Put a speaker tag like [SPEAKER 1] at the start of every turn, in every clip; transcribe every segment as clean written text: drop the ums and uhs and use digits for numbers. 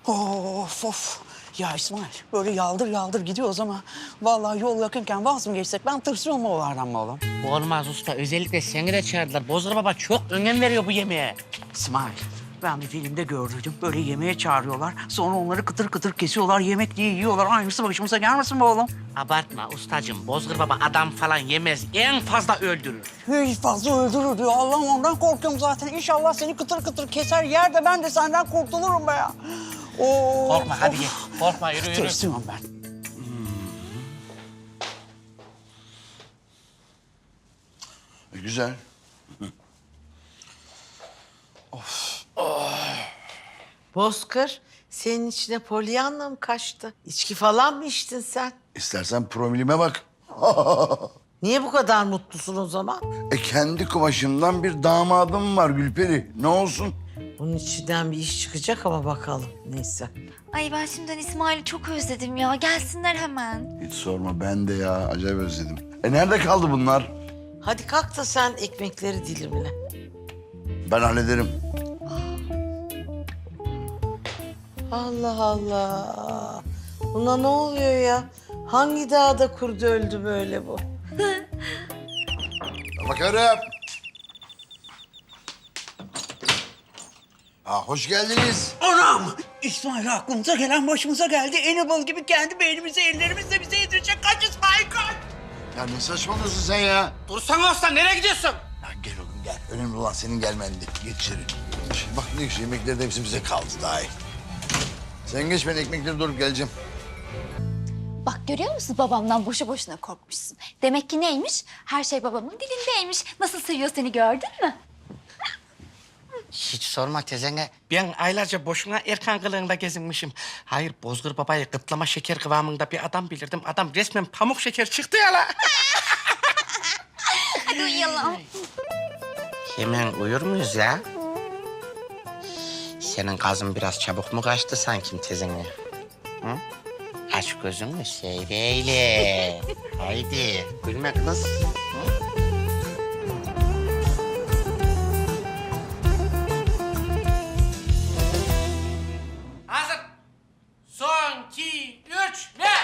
[SPEAKER 1] Of of. Ya İsmail böyle yaldır yaldır gidiyoruz ama vallahi yol yakınken vaz mı geçsek ben tırsıyorum oğlardan be oğlum.
[SPEAKER 2] Olmaz usta. Özellikle seni de çağırdılar. Bozkır Baba çok önem veriyor bu yemeğe.
[SPEAKER 1] İsmail ben bir filmde gördüydüm. Böyle yemeğe çağırıyorlar. Sonra onları kıtır kıtır kesiyorlar. Yemek diye yiyorlar. Aynısı başımıza gelmesin be oğlum.
[SPEAKER 2] Abartma ustacığım. Bozkır Baba adam falan yemez. En fazla öldürür.
[SPEAKER 1] Hiç fazla öldürür diyor. Allah'ım ondan korkuyorum zaten. İnşallah seni kıtır kıtır keser yer de ben de senden kurtulurum be ya. Oo,
[SPEAKER 2] Korkma hadi gel. Korkma yürü yürü.
[SPEAKER 1] Tırsıyorum ben.
[SPEAKER 3] Güzel.
[SPEAKER 4] Bozkır, senin içine Pollyanna mı kaçtı? İçki falan mı içtin sen?
[SPEAKER 3] İstersen promilime bak.
[SPEAKER 4] Niye bu kadar mutlusun o zaman?
[SPEAKER 3] Kendi kumaşımdan bir damadım var Gülperi. Ne olsun?
[SPEAKER 4] Bunun içinden bir iş çıkacak ama bakalım. Neyse.
[SPEAKER 5] Ay ben şimdiden İsmail'i çok özledim ya. Gelsinler hemen.
[SPEAKER 3] Hiç sorma ben de ya acayip özledim. Nerede kaldı bunlar?
[SPEAKER 4] Hadi kalk da sen ekmekleri dilimle.
[SPEAKER 3] Ben hallederim.
[SPEAKER 4] Allah Allah. Buna ne oluyor ya? Hangi dağda kurdu öldü böyle bu?
[SPEAKER 3] Bakarım. Hoş geldiniz.
[SPEAKER 1] Anam! İsmail aklımıza gelen başımıza geldi. Enable gibi kendi beynimizi ellerimizle bize yedirecek. Kaç İsmail kaç!
[SPEAKER 3] Ya ne saçmalıyorsun sen ya?
[SPEAKER 2] Dursana usta nereye gidiyorsun?
[SPEAKER 3] Ya gel oğlum gel. Önemli olan senin gelmendi. Geç içeri. Şimdi bak ne güzel yemekler de hepsi bize kaldı daha iyi. Sen geç ben ekmekleri doğrup geleceğim.
[SPEAKER 5] Bak görüyor musun babamdan boşu boşuna korkmuşsun. Demek ki neymiş? Her şey babamın dilindeymiş. Nasıl seviyor seni gördün mü?
[SPEAKER 2] Hiç sorma tezene. Ben aylarca boşuna Erkan kılığında gezinmişim. Hayır Bozkır Baba'yı kıtlama şeker kıvamında bir adam bilirdim. Adam resmen pamuk şeker çıktı ya la.
[SPEAKER 5] Hadi uyuyalım.
[SPEAKER 2] Hemen uyur muyuz ya? Senin gazın biraz çabuk mu kaçtı sanki tezene? Hı? Aç gözünü seyreyle. Haydi gülme kız. Hı? Hazır. Son, iki, üç, ve...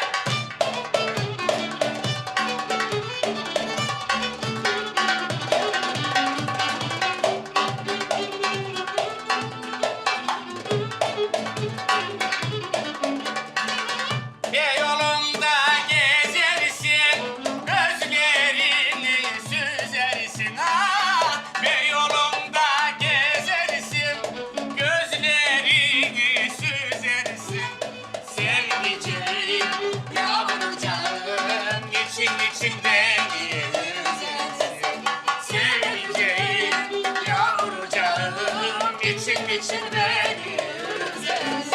[SPEAKER 2] Yolunda gezersin, gözlerini süzersin. Yolunda gezersin, gözlerini süzersin. Sevdiceğim, yavrucağım, için içinden yüzersin. Sevdiceğim, yavrucağım, için içinden yüzersin.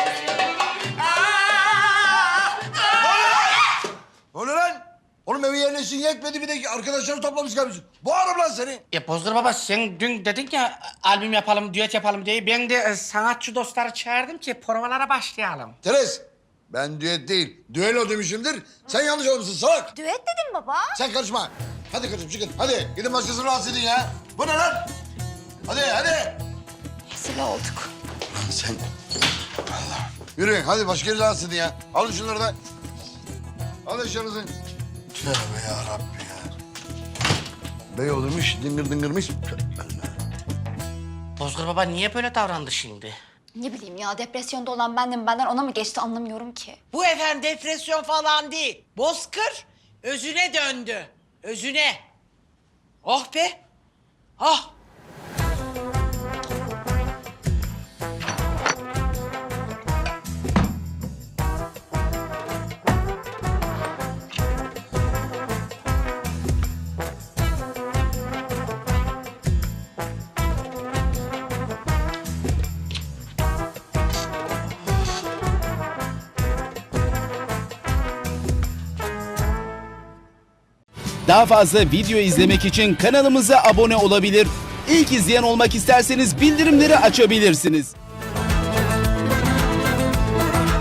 [SPEAKER 3] Ne oluyor lan? Oğlum evi yerleşsin yetmedi bir de arkadaşları toplamış gelmişsin. Boğarım lan seni.
[SPEAKER 2] Bozkır Baba sen dün dedin ya albüm yapalım, düet yapalım diye. Ben de sanatçı dostları çağırdım ki provalara başlayalım.
[SPEAKER 3] Teres, ben düet değil, düello demişimdir. Sen yanlış olmuşsun salak.
[SPEAKER 5] Düet dedim baba.
[SPEAKER 3] Sen karışma. Hadi kızım çıkın. Hadi gidin başkasını rahatsız edin ya. Bu ne lan? Hadi.
[SPEAKER 5] Rezil olduk.
[SPEAKER 3] Lan sen... Allah. Yürüyün hadi başka yeri rahatsız edin ya. Alın şunları da. Alın eşyanızı. Tövbe yarabbi ya. Bey olurmuş, dıngır dıngırmış.
[SPEAKER 2] Bozkır Baba niye böyle davrandı şimdi?
[SPEAKER 5] Ne bileyim ya depresyonda olan bendim benden ona mı geçti anlamıyorum ki.
[SPEAKER 4] Bu efendim depresyon falan değil. Bozkır özüne döndü. Özüne. Oh be. Ah.
[SPEAKER 6] Daha fazla video izlemek için kanalımıza abone olabilir. İlk izleyen olmak isterseniz bildirimleri açabilirsiniz.